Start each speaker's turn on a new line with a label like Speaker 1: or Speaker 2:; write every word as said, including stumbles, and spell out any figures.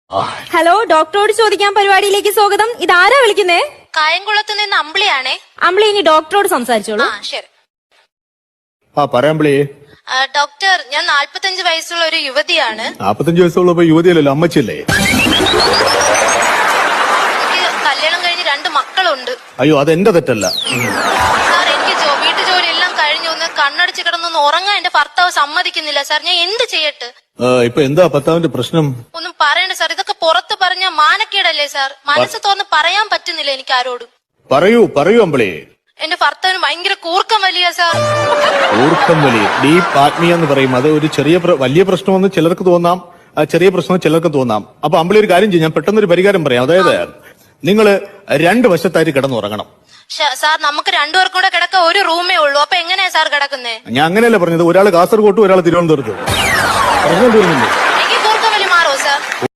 Speaker 1: Hello, ഡോക്ടറോട് ചോദിക്കാൻ പരിപാടിയിലേക്ക് സ്വാഗതം. ഇതാരാ വിളിക്കുന്നേ?
Speaker 2: കായംകുളത്ത് നിന്ന് അമ്പിളിയാണേ.
Speaker 1: അമ്പിളി ഇനി ഡോക്ടറോട് സംസാരിച്ചോളൂ.
Speaker 2: ആ ശരി.
Speaker 3: ആ പറയാമ്പിളി.
Speaker 2: ഡോക്ടർ, ഞാൻ നാല്പത്തഞ്ച് വയസ്സുള്ള ഒരു യുവതിയാണ്.
Speaker 3: നാപ്പത്തഞ്ച് വയസ്സുള്ളപ്പോ യുവതിയല്ലല്ലോ, അമ്മച്ചല്ലേ?
Speaker 2: എനിക്ക് കല്യാണം കഴിഞ്ഞ് രണ്ട് മക്കളുണ്ട്.
Speaker 3: അയ്യോ, അതെന്റെ തെറ്റല്ല
Speaker 2: സാർ. എനിക്ക് വീട്ടു ജോലി എല്ലാം കഴിഞ്ഞു, ഒന്ന് കണ്ണടച്ച് കിടന്നൊന്ന് ഉറങ്ങാൻ എന്റെ ഭർത്താവ് സമ്മതിക്കുന്നില്ല സാർ. ഞാൻ എന്ത് ചെയ്യട്ടെ?
Speaker 3: ഇപ്പൊ എന്താ ഭർത്താവിന്റെ പ്രശ്നം?
Speaker 2: ഒന്നും പറയണ്ട സാർ. ഇതൊക്കെ പുറത്ത് പറഞ്ഞ മാനക്കേടല്ലേ സാർ? മനസ്സ് തുറന്ന് പറയാൻ പറ്റുന്നില്ല എനിക്ക് ആരോടും.
Speaker 3: പറയൂ പറയൂ അമ്പിളി.
Speaker 2: എന്റെ ഭർത്താവിന് ഭയങ്കര കൂർക്കം വലിയ സാർ.
Speaker 3: കൂർക്കം വലി, ഡീപ് ആത്മീയ എന്ന് പറയും. അത് ഒരു ചെറിയ വലിയ പ്രശ്നമെന്ന് ചിലർക്ക് തോന്നാം, ചെറിയ പ്രശ്നം ചിലർക്ക് തോന്നാം. അപ്പൊ അമ്പിളി ഒരു കാര്യം ചെയ്യും, ഞാൻ പെട്ടെന്നൊരു പരിഹാരം പറയാം. അതായത് നിങ്ങള് രണ്ട് വശത്തായിട്ട് കിടന്നുറങ്ങണം.
Speaker 2: സാർ, നമുക്ക് രണ്ടുപേർക്കും കൂടെ കിടക്കാൻ ഒരു റൂമേ ഉള്ളൂ. അപ്പൊ എങ്ങനെയാ സാർ കിടക്കുന്നേ?
Speaker 3: ഞാൻ അങ്ങനെയല്ല പറഞ്ഞത്. ഒരാൾ കാസർഗോട്ടും ഒരാൾ തിരുവനന്തപുരത്തും. പറഞ്ഞോണ്ടിരുന്നില്ലേ?